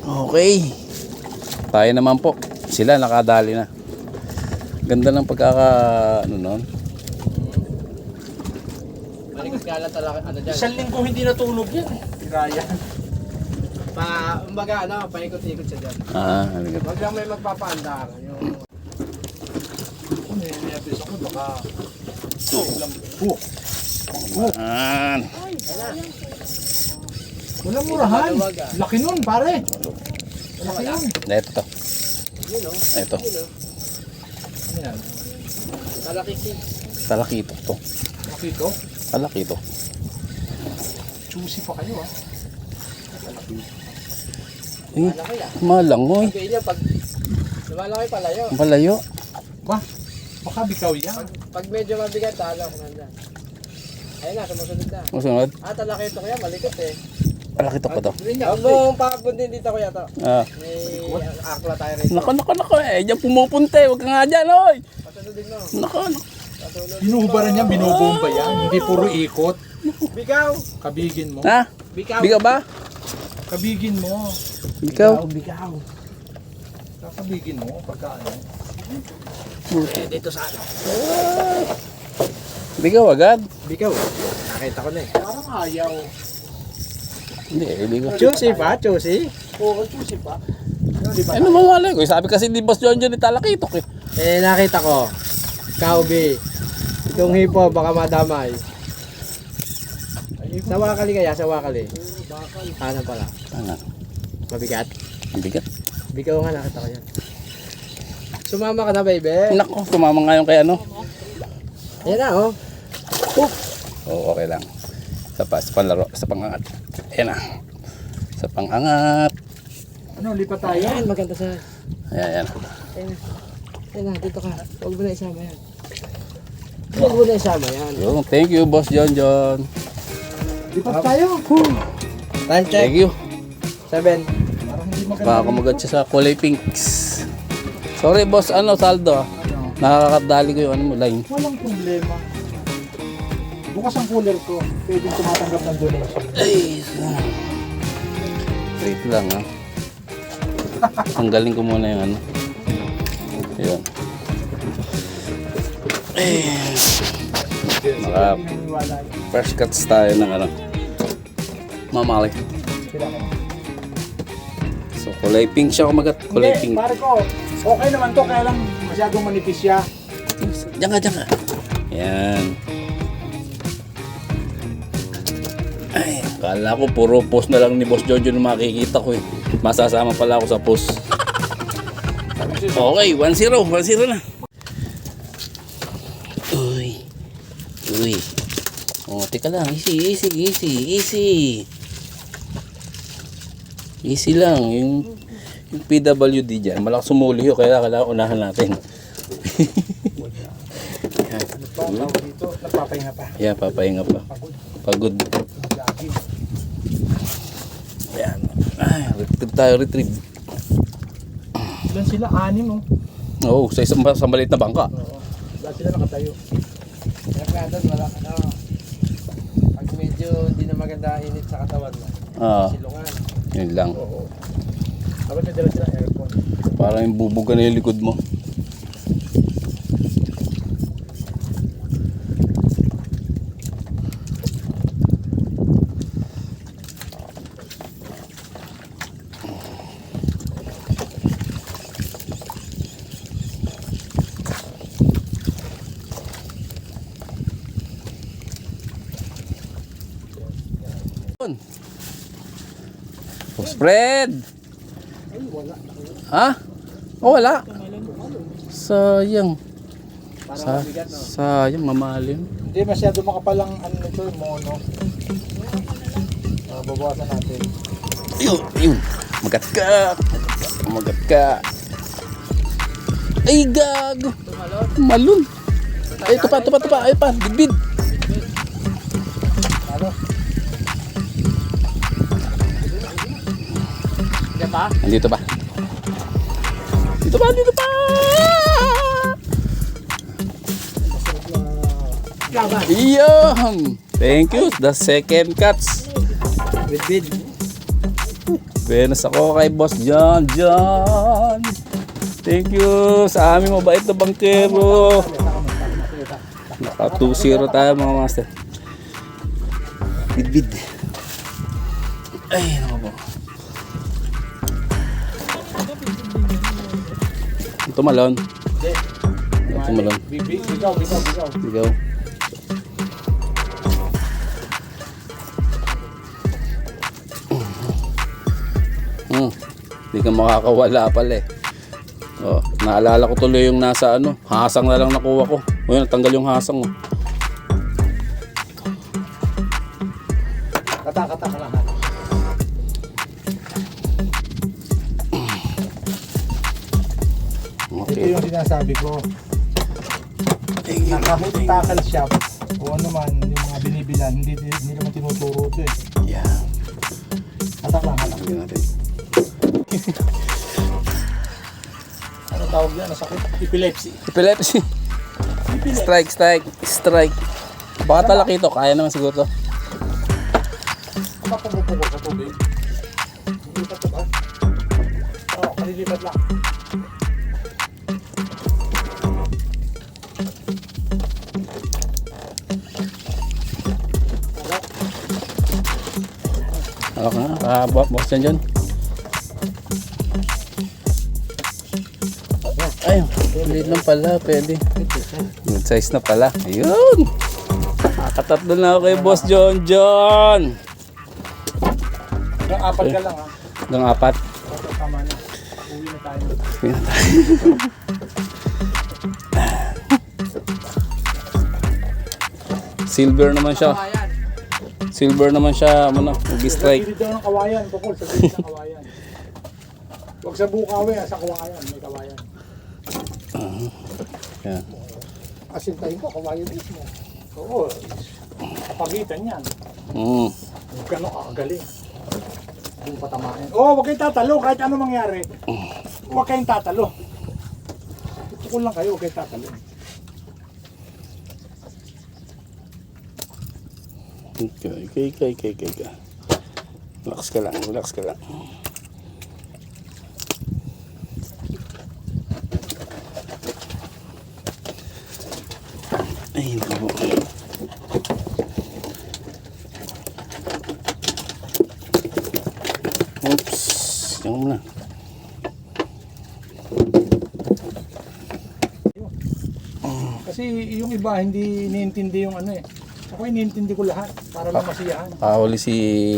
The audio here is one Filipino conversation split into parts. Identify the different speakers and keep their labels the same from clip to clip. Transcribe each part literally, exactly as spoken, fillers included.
Speaker 1: Okay. Tayo naman po. Sila nakadali na. Ganda ng pagkaka ano noon.
Speaker 2: Malikot nga lang talaga ano dyan.
Speaker 3: Isang linggo hindi natulog yan. Tiraya.
Speaker 2: Pa, umbaga ano, paikot-ikot siya dyan.
Speaker 1: Ah, halikat.
Speaker 2: Wag lang may magpapaandar. Yung...
Speaker 3: Kung nililipis ako, baka...
Speaker 1: Oh. Yan.
Speaker 3: Walang murahan.
Speaker 2: Maluwag, ah.
Speaker 3: Laki nun, pare. Laki nun.
Speaker 1: Ito.
Speaker 2: Yun o.
Speaker 1: Ito.
Speaker 2: Yun o.
Speaker 3: Ano yan?
Speaker 2: Talakisi.
Speaker 1: Talakito to.
Speaker 3: Laki ito.
Speaker 1: Talakito.
Speaker 3: Juicy pa kayo ah.
Speaker 1: Eh,
Speaker 2: Malaki ah.
Speaker 1: malangoy.
Speaker 2: Sabihin niya pag lumalaki palayo.
Speaker 1: Ang palayo.
Speaker 3: Ba? Baka bikaw yan.
Speaker 2: Pag, pag medyo mabigat, talo ko nanda. Ayun na, sumusunod na.
Speaker 1: Masunod.
Speaker 2: Ah, talaki ito kuya, malikot eh.
Speaker 1: Talakito ko to.
Speaker 2: Huwag mong pakabundin dito kuya to.
Speaker 1: Ah.
Speaker 2: May akla tayo rito.
Speaker 1: Nako, nako, nako. Eh, diyan pumupunta eh. Huwag ka nga dyan, oy.
Speaker 2: Pasunodin mo.
Speaker 1: Nako, nako.
Speaker 2: Pasunod.
Speaker 3: Binuhubaran niya, binubomba yan. Hindi puro ikot.
Speaker 2: Bigaw!
Speaker 3: Kabigin mo.
Speaker 1: Ha?
Speaker 2: Bigaw!
Speaker 1: Bigaw ba?
Speaker 3: Kabigin mo.
Speaker 1: Ikaw?
Speaker 3: Bigaw. Kakabigin mo pagka ano.
Speaker 2: Eh, dito sa ano.
Speaker 1: Bigaw agad?
Speaker 2: Bigaw. Nakita ko na eh.
Speaker 3: Parang ayaw.
Speaker 1: Hindi, eh, bigaw.
Speaker 2: Juicy pa? Juicy?
Speaker 3: Oo, juicy pa.
Speaker 1: Ano mawala ko? Sabi kasi ni Boss John John ni Talakito ko eh.
Speaker 2: Eh, nakita ko. Kaubi. Itong hipo, baka madamay. Sa wakali kaya, sa wakali. Ano pala?
Speaker 1: Ano?
Speaker 2: Mabigat?
Speaker 1: Ang bigat.
Speaker 2: Bigaw nga, nakita ko yan. Sumama ka na, baby.
Speaker 1: Nako, kumama nga yung kay ano.
Speaker 2: Yan na, oh.
Speaker 1: Oo, okay lang. Sa, pa, sa panlaro, sa pangangat. Ayan na. Sa pangangat.
Speaker 3: Ano, lipat tayo?
Speaker 2: Ayan, maganda sa...
Speaker 1: Ayan, ayan.
Speaker 2: Ayan na. Ayan na, dito ka. Huwag mo na isama yan. Huwag mo na isama yan.
Speaker 1: Yung, thank you, Boss John John.
Speaker 3: Lipat tayo.
Speaker 2: Time check.
Speaker 1: Thank you.
Speaker 2: Seven.
Speaker 3: Parang hindi maganda.
Speaker 1: Baka kumagat siya sa kulay pinks. Sorry, Boss, ano, saldo ah.
Speaker 3: Ano?
Speaker 1: Nakakadali ko yung ano mo, line.
Speaker 3: Walang problema. Bukas ang cooler ko. Pwedeng tumatanggap ng donation.
Speaker 1: Ay, wait lang ah. Tanggalin ko muna yung ano. Ayun. Eh, Naka
Speaker 3: Naniniwala yun.
Speaker 1: first cuts tayo ng ano. Mamali.
Speaker 3: Sila ka.
Speaker 1: So kulay pink siya kumagat. Kulay
Speaker 3: Hindi,
Speaker 1: pink.
Speaker 3: pare ko. Okay naman to, kaya lang masyadong manipis siya.
Speaker 1: Diyan ka, diyan ka. Yan. Ay, akala ko puro post na lang ni Boss Jojo na makikita ko eh. Masasama pala ako sa post. Okay, one zero. one zero na. Uy. Uy. Oh, teka lang. Easy, easy, easy, easy. Easy lang. Yung, yung P W D dyan. Malakas sumuli yun. Kaya kailangan unahan natin.
Speaker 3: Ano pa dito? Nagpapahinga pa.
Speaker 1: Yeah, papahinga pa. Pagod.
Speaker 3: Jogging.
Speaker 1: Ayan. Ay, retrieve tayo, retrieve.
Speaker 3: Ilan sila? Anim, oh.
Speaker 1: Oo, sa isang sa maliit na bangka.
Speaker 3: Oo. Lahat sila nakatayo.
Speaker 2: Kaya nga doon, wala ka na. Pag medyo hindi na maganda init sa katawan mo.
Speaker 1: Ah,
Speaker 2: Silungan.
Speaker 1: yun lang.
Speaker 3: Oo. Dapat may dala sila aircon.
Speaker 1: Parang yung bubuga na yung likod mo. Oh, spread! Ha? Oh, wala. Sayang. Sa, sayang, mamalim.
Speaker 3: Hindi masyado makapalang ano nito, mono. Uh, babawasan natin.
Speaker 1: Yun, yun. Magat ka. Magat ka. Ay, gago. Malun. Ay, ito pa, ito pa, ito pa. Ay, pa, bidbid.
Speaker 3: Ano?
Speaker 2: Diyan pa?
Speaker 1: Andito pa. Dito pa, dito pa. Iyon. Thank you. The second cuts.
Speaker 2: With bid.
Speaker 1: Benas ako kay Boss John John. Thank you sa aming mabait na bangkero. Naka two zero tayo mga master. Bid bid. Ay, naku po. Ito malon. Ito malon.
Speaker 3: Bigaw, bigaw, bigaw.
Speaker 1: Ikaw. Hmm. Hindi ka makakawala pala eh. Oh, naalala ko tuloy yung nasa ano, hasang na lang nakuha ko. O yun, natanggal yung hasang. Oh.
Speaker 3: Kata-kata ka lang. Ito
Speaker 1: Okay.
Speaker 3: yung sinasabi ko. Nakahoot tackle shop o ano man, yung mga binibilan, hindi, hindi naman tinuturo ito eh.
Speaker 1: Yeah.
Speaker 3: Hatak lang, hatak.
Speaker 1: Tingnan natin.
Speaker 3: Ano tawag yan? Nasakit? Epilepsy.
Speaker 1: Epilepsy. Strike, strike, strike. Baka talaki ito, kaya naman siguro to.
Speaker 3: Kapag pumupukol sa tubig, lilipat ka ba? Oo, kalilipat lang.
Speaker 1: Alak na, ah, boss yan dyan. Ay, maliit lang pala, pwede. Good size na pala. Ayun! Nakatatlo na ako kay Boss John John.
Speaker 3: Hanggang apat ka lang ha.
Speaker 1: Hanggang apat.
Speaker 3: Okay, tama na. Uwi na tayo.
Speaker 1: Uwi na tayo. Silver naman siya. Silver naman siya, ano na, mag-strike.
Speaker 3: Sa gilid daw ng kawayan, Bukol, sa gilid ng kawayan. Huwag sa bukawi, ha, sa kawayan, may kawayan.
Speaker 1: Yan.
Speaker 3: Asintahin ko, kawayan mismo. Oo, kapagitan yan.
Speaker 1: Mm.
Speaker 3: Huwag ka nung kakagaling. Huwag patamahin. Oo, oh, huwag kayong tatalo, kahit ano mangyari. Huwag kayong tatalo. Tukul lang kayo, huwag kayong tatalo.
Speaker 1: Okay, okay, okay, okay, okay, okay. Relax ka lang, relax ka lang. Ay, naku. Oops, yan muna.
Speaker 3: Kasi yung iba, hindi niintindi yung ano eh. Ako iniintindi ko lahat para lang masiyahan.
Speaker 1: Kahuli si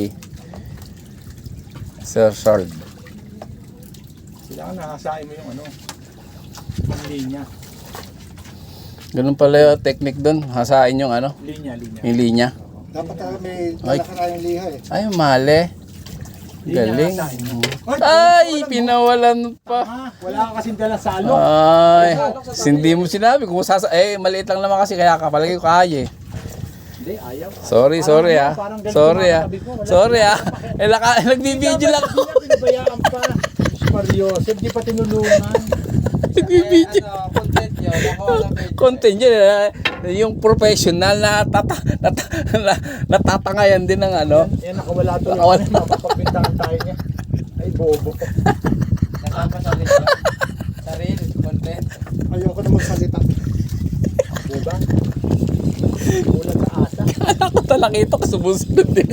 Speaker 1: Sir Charles.
Speaker 3: Kailangan nakasain mo yung ano, yung linya.
Speaker 1: Ganun pala yung technique doon. Hasain yung ano,
Speaker 3: Linya, linya.
Speaker 1: yung linya.
Speaker 3: Dapat uh, may
Speaker 1: Ay.
Speaker 3: nakakarayang liha eh.
Speaker 1: Ay, mali. Galing.
Speaker 3: hasain mo.
Speaker 1: Ay, pinawalan pa.
Speaker 3: Ah, wala ka kasing dalang salok.
Speaker 1: Ay, hindi mo sinabi kung sasa eh maliit lang naman kasi kaya kapalagi ko kaya eh.
Speaker 3: Hindi, ayaw.
Speaker 1: Sorry, sorry ah.
Speaker 3: Parang ganito
Speaker 1: Sorry ah.
Speaker 3: makakatabi ko, wala.
Speaker 1: Sorry ah. Eh, naka, nagbibideo lang ako.
Speaker 3: Hindi na pinabayaan pa. Mario, di pa tinulungan.
Speaker 1: Nagbibideo.
Speaker 2: Ano, content yun. Nakuha lang medyo.
Speaker 1: Content yun. eh. Yung professional na, tata, nata, na natatangayan din ng ano.
Speaker 3: Yan, nakawala to.
Speaker 1: Nakawala.
Speaker 3: Mapapagpintahan tayo niya. Ay, bobo.
Speaker 2: Nakapa sa rin yun. Sa reel, content.
Speaker 3: Ayoko na magsalita. Diba? Ulan sa asa.
Speaker 1: Kala ko talaga ito kasi sumusunod eh.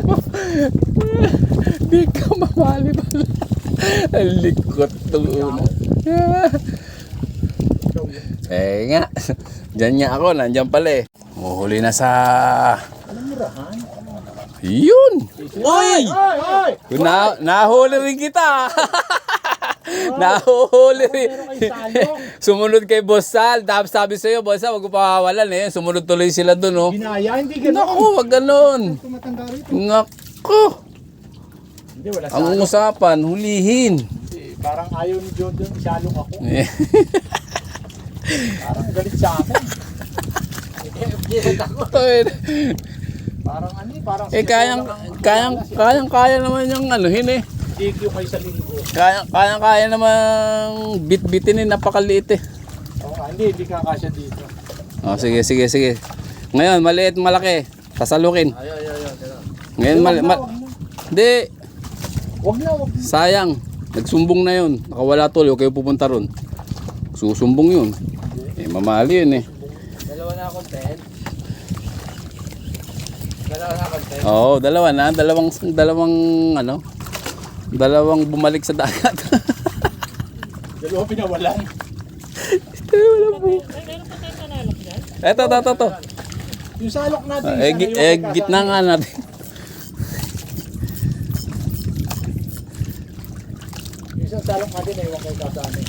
Speaker 1: Di ka mamali pala. Ang likot nung una. Eh nga. Diyan nga ako. Nandyan pala eh. Uhuli na sa...
Speaker 3: Anong murahan?
Speaker 1: Yun!
Speaker 3: Oy! Oy! Oy!
Speaker 1: Na, nahuli rin kita! Nahuli rin.
Speaker 3: Meron kayong salo.
Speaker 1: Sumunod kay Boss Sal. Tapos sabi sa'yo, Boss Sal, huwag ko pawawalan eh. Sumunod tuloy sila dun oh.
Speaker 3: Ginaya, hindi ganun.
Speaker 1: Naku, wag ganon.
Speaker 3: Tumatanda rito.
Speaker 1: Naku!
Speaker 3: Hindi, wala
Speaker 1: Ang
Speaker 3: salo.
Speaker 1: usapan, hulihin.
Speaker 3: Hindi, parang ayaw ni Jordan, isalong ako.
Speaker 1: Eh,
Speaker 3: Parang galit sa akin.
Speaker 2: Update ako.
Speaker 3: Parang ano eh, parang...
Speaker 1: eh kayang, kayang, kayang, kaya naman yung anuhin eh.
Speaker 3: D Q kayo sa linggo.
Speaker 1: Kaya, kaya, kaya namang bit-bitin eh, napakaliit eh.
Speaker 3: Oo nga, hindi, hindi kakasya dito.
Speaker 1: Oh, sige, sige, sige. Ngayon, maliit, malaki. Sasalukin.
Speaker 2: Ayaw, ayaw, ayaw.
Speaker 1: Ngayon, mali, ma- Hindi.
Speaker 3: Wag na, wag na.
Speaker 1: Sayang. Nagsumbong na yun. Nakawala tuloy. Huwag kayo pupunta ron. Susumbong yun. Eh, mamali yun eh.
Speaker 2: Dalawa na akong tent. Dalawa na akong tent.
Speaker 1: Oo, dalawa na. Dalawang, dalawang, ano, dalawang bumalik sa dagat.
Speaker 3: Dalawa pinawalan.
Speaker 1: Eto, eto, eto, eto.
Speaker 3: Yung salok natin.
Speaker 1: Eh, gi- eh, gitna nga natin.
Speaker 3: Yung isang salok natin, naiwan kayo kasama.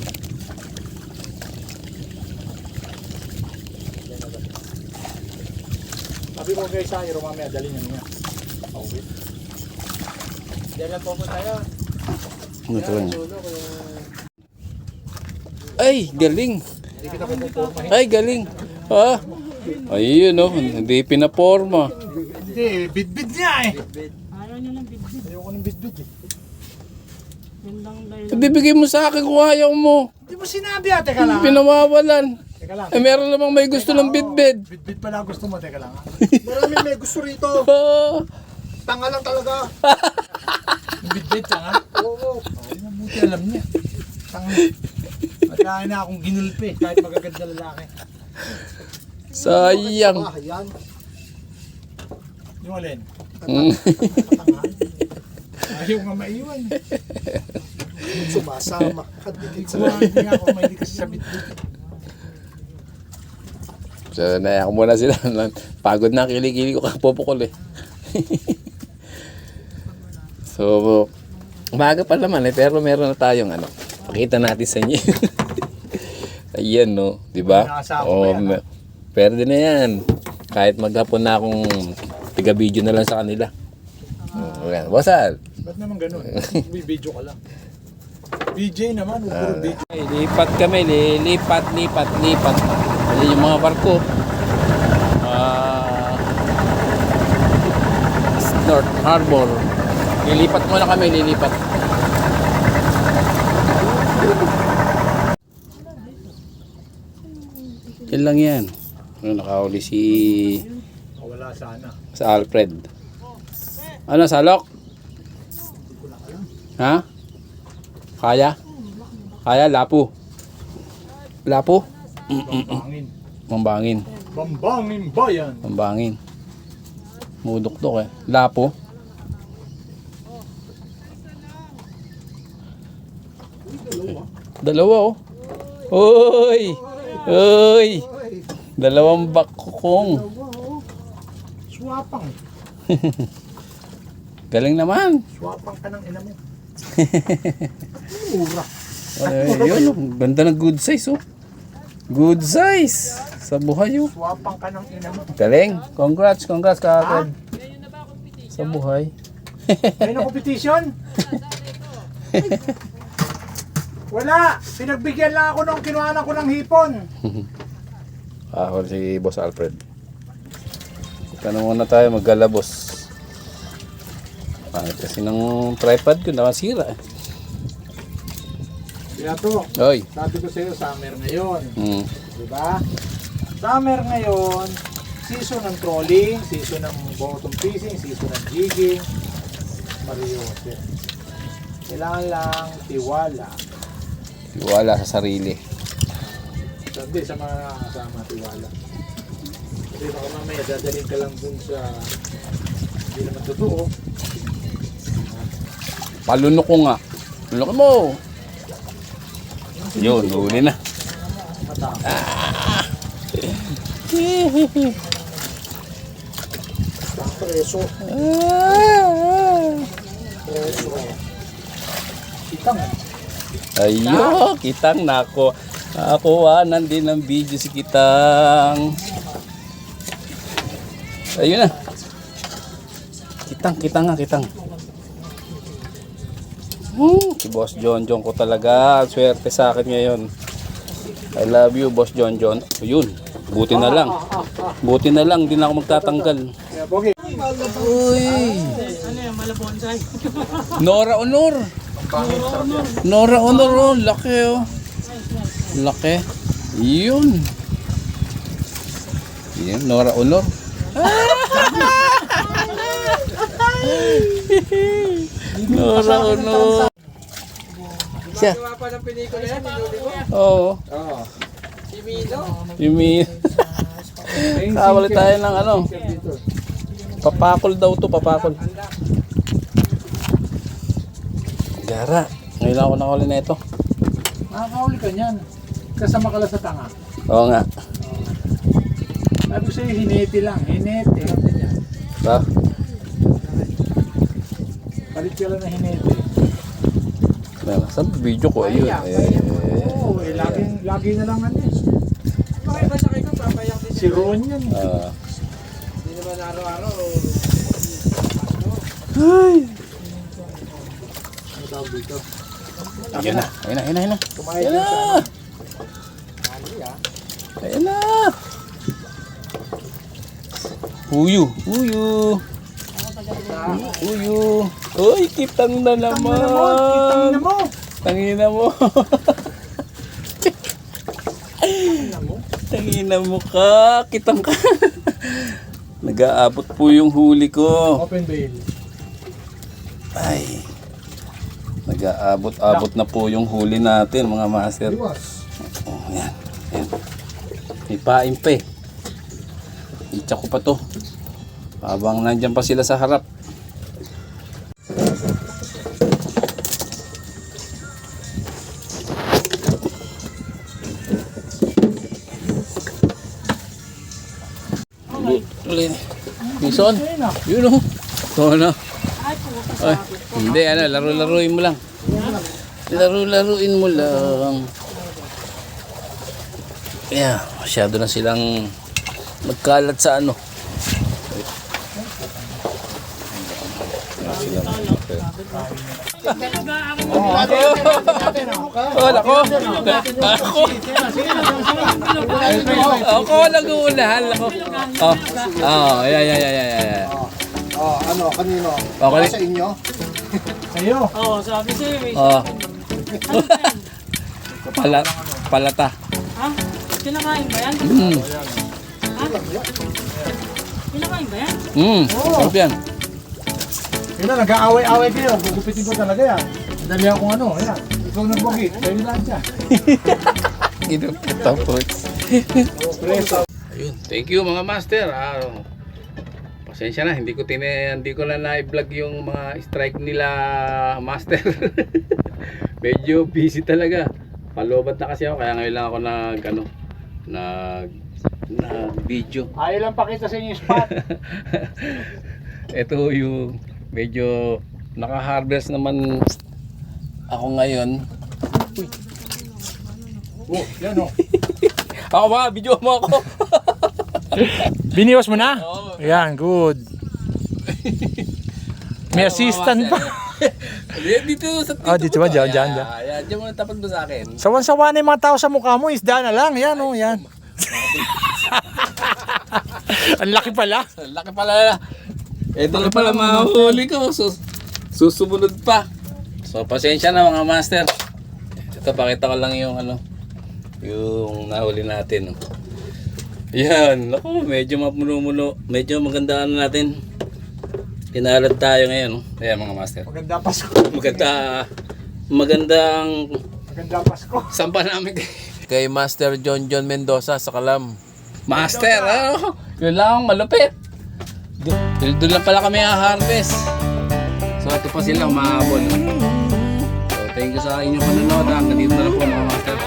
Speaker 3: Sabi mo guys sa iro mamaya, dali niya niya. Okay.
Speaker 2: Diyan lang po po tayo.
Speaker 1: Ano to yun?
Speaker 2: Sulo ko yung...
Speaker 1: Ay, galing.
Speaker 3: Hindi kita pupupormahin.
Speaker 1: Ay, galing. Ah. Ayun, oh. Hindi pinaporma.
Speaker 3: Hindi, bid-bid niya eh.
Speaker 4: Ayaw niya ng bidbid.
Speaker 3: Ayoko ng bid-bid eh.
Speaker 4: Yun lang dahil.
Speaker 1: Ibibigay mo sa akin kung ayaw mo.
Speaker 3: Hindi mo sinabi ah, teka lang. ah.
Speaker 1: Pinawawalan.
Speaker 3: Teka lang.
Speaker 1: Eh, meron namang may gusto ng bidbid.
Speaker 3: Bid-bid pala gusto mo, teka lang. ah.
Speaker 5: Maraming may gusto rito.
Speaker 1: Ah.
Speaker 5: Tanga lang talaga.
Speaker 3: Bid-bid siya nga.
Speaker 5: Oo.
Speaker 3: Ay, mabuti alam niya. Tanga. At na akong ginulpi kahit magaganda lalaki.
Speaker 1: Sayang.
Speaker 5: Ah, yan.
Speaker 3: Yung alin?
Speaker 1: Mm.
Speaker 3: Tanga. Ayaw nga maiwan.
Speaker 5: Sumasama. Kadikit
Speaker 3: Sa
Speaker 5: sa
Speaker 3: mga hindi nga ako mahilig kasi sa bid-bid.
Speaker 1: So, naiyak ko muna sila. Pagod na kilikili ko kapopokol eh. So, umaga pa naman eh, pero meron na tayong ano. Pakita natin sa inyo. Ayan no, di ba?
Speaker 3: Nakasama
Speaker 1: Oh,
Speaker 3: pa yan,
Speaker 1: me- pwede na yan. Kahit maghapon na akong tiga-video na lang sa kanila. Oh, ayan. Wasal.
Speaker 3: Ba't naman ganun? May video ka lang. B J naman, huwag puro B J.
Speaker 1: Ay, lipat kami, lilipat, lipat, lipat. Ayan yung mga barko. Ah, North Harbor. Lilipat muna kami, lilipat. Yan lang yan. Ano, nakahuli si
Speaker 3: Wala sana.
Speaker 1: sa Alfred. Ano, salok? Ha? Kaya? Kaya, lapu. Lapu?
Speaker 3: Bambangin.
Speaker 1: Mambangin.
Speaker 3: Bambangin bayan.
Speaker 1: Mambangin. Mudok-dok eh. Lapo. Dalawa oh. Oy! Oy! Dalawang bakong.
Speaker 3: Swapang.
Speaker 1: Galing naman.
Speaker 3: Swapang ka ng ina mo. Mura.
Speaker 1: Ay, yun, oh. Ganda ng good size oh. Good size. Sa buhay oh.
Speaker 3: Swapang ka ng ina mo.
Speaker 1: Galing. Congrats, congrats kaagad. Sa buhay.
Speaker 3: May na competition? Wala. Pinagbigyan lang ako nung kinuhanan ko ng hipon.
Speaker 1: Ako si Boss Alfred. Ika na muna tayo maggalabos. Pangit kasi ng tripod ko nakasira eh.
Speaker 3: Kaya to,
Speaker 1: Oy.
Speaker 3: sabi ko sa'yo, summer ngayon.
Speaker 1: Mm.
Speaker 3: Diba? Summer ngayon, season ng trolling, season ng bottom fishing, season ng jigging, mariyote. Kailangan lang tiwala.
Speaker 1: Wala sa sarili.
Speaker 3: Sabi sa mga kasama, tiwala. Kasi baka mamaya dadalhin ka lang dun sa hindi naman totoo.
Speaker 1: Palunok ko nga. Lunok mo. Yun, huli na.
Speaker 3: Matama.
Speaker 5: Preso. Preso.
Speaker 3: Kitang.
Speaker 1: Ayo, Kitang nako. Nakakuhanan din ng video si Kitang. Ayun na. Kitang, Kitang nga, Kitang. Hmm, si Boss John John ko talaga. Swerte sa akin ngayon. I love you, Boss John John. Ayun, buti na lang. Buti na lang, di na ako magtatanggal.
Speaker 3: Kaya Bogi,
Speaker 1: Uy!
Speaker 4: Ano yan, malabonsay?
Speaker 1: Nora Honor! Nora Honor, oh. Laki oh. Laki. Yun. Yun, Nora Honor. Nora ko no. Siya.
Speaker 2: Gawa pa ng pelikula yan, hinuli mo.
Speaker 1: Oo.
Speaker 2: Oo. Si Mino.
Speaker 1: Yumi. Kawali tayo ng ano. Papakol daw to, papakol. Gara. Ngayon ako nakuli na ito.
Speaker 3: Nakakauli ka niyan. Kasama ka lang sa tanga.
Speaker 1: Oo nga.
Speaker 3: Sabi ko sa'yo, hinete lang. Hinete.
Speaker 1: Ba?
Speaker 3: Palit ka lang na hinete.
Speaker 1: Saan video ko? Ayun. Eh,
Speaker 3: Oo, eh, laging, lagi na lang ano eh.
Speaker 2: Bakit ba sakay ko? Papayak din.
Speaker 3: Si Ron yan.
Speaker 1: ah.
Speaker 2: Hindi naman araw-araw.
Speaker 1: Ay. Ayun na. Ayun na. Ayun na. Ayun na.
Speaker 3: Kumain
Speaker 1: Ayun
Speaker 3: ka sa
Speaker 1: na. Ayun na. Huyu. Huyu. Huyu. Uy, kitang na naman.
Speaker 3: Kitang na mo.
Speaker 1: Tangina mo. Tangina mo ka. Kitang ka. Nag-aabot po yung huli ko.
Speaker 3: Open bail.
Speaker 1: Ay. Nag-aabot-abot na po yung huli natin mga master.
Speaker 5: Iwas.
Speaker 1: Oh, yan. Yan. May pain pa eh. Itsa ko pa to. Habang nandyan pa sila sa harap. Ulit. Bison. Yun o. Ito na. Ay, hindi, ano, laro-laruin mo lang. Laro-laruin mo lang. Yeah, masyado na silang magkalat sa ano. Oh, nako. Ako. Ako nag-uunahan ako. Oh. Oh, yeah, yeah, yeah, yeah, yeah.
Speaker 5: Oh, ano, kanino?
Speaker 1: Okay.
Speaker 5: Sa inyo?
Speaker 3: Sa'yo.
Speaker 4: Oo, sabi sa'yo eh.
Speaker 1: Oh,
Speaker 4: Ano ba yan?
Speaker 1: pala palata.
Speaker 4: Ha? Kinakain ba yan?
Speaker 1: Mm.
Speaker 4: Ha? Kinakain ba yan?
Speaker 1: Mm. Sarap yan.
Speaker 3: Yun na, nag-aaway-aaway kayo. Gugupitin ko talaga yan. Dali akong ano, yan. Ikaw nagbugi. Sa'yo lang siya.
Speaker 1: Tapos.
Speaker 3: Preso.
Speaker 1: Ayun, thank you mga master. Ah, pasensya na, hindi ko tine, hindi ko na na-vlog yung mga strike nila master. Medyo busy talaga. Palobat na kasi ako, kaya ngayon lang ako nag ano, nag nag video.
Speaker 3: Ayaw lang pakita sa inyo yung spot.
Speaker 1: Ito yung medyo naka-harvest naman ako ngayon.
Speaker 3: Oh, yan o.
Speaker 1: Ako ba, video mo ako.
Speaker 3: Biniwas mo na?
Speaker 1: Oo.
Speaker 3: Yan, good. May assistant pa.
Speaker 1: Dito sa dito.
Speaker 3: Ah, dito ba? Diyan, diyan, diyan.
Speaker 1: Yan, diyan mo na tapat mo sa akin.
Speaker 3: Sawan-sawa na yung mga tao sa mukha mo, isda na lang. Yan o, yan. Ang laki pala.
Speaker 1: Laki pala. Ito na pala mahuli ko. Sus susumunod pa. So pasensya na mga master. Ito pakita ko lang yung ano, yung nahuli natin. Yan. Naku, medyo mapuno-muno. Medyo maganda ano natin. Tinalad tayo ngayon. Ayan mga master.
Speaker 3: Maganda Pasko.
Speaker 1: Maganda. Magandang
Speaker 3: Maganda Pasko.
Speaker 1: sampa namin kay Master John John Mendoza sa Kalam. Master, ano? Yun lang, malupit. Doon doon lang pala kami ha-harvest. So ito pa sila umahabol. So thank you sa inyong panonood. Hanggang dito na lang po mga master.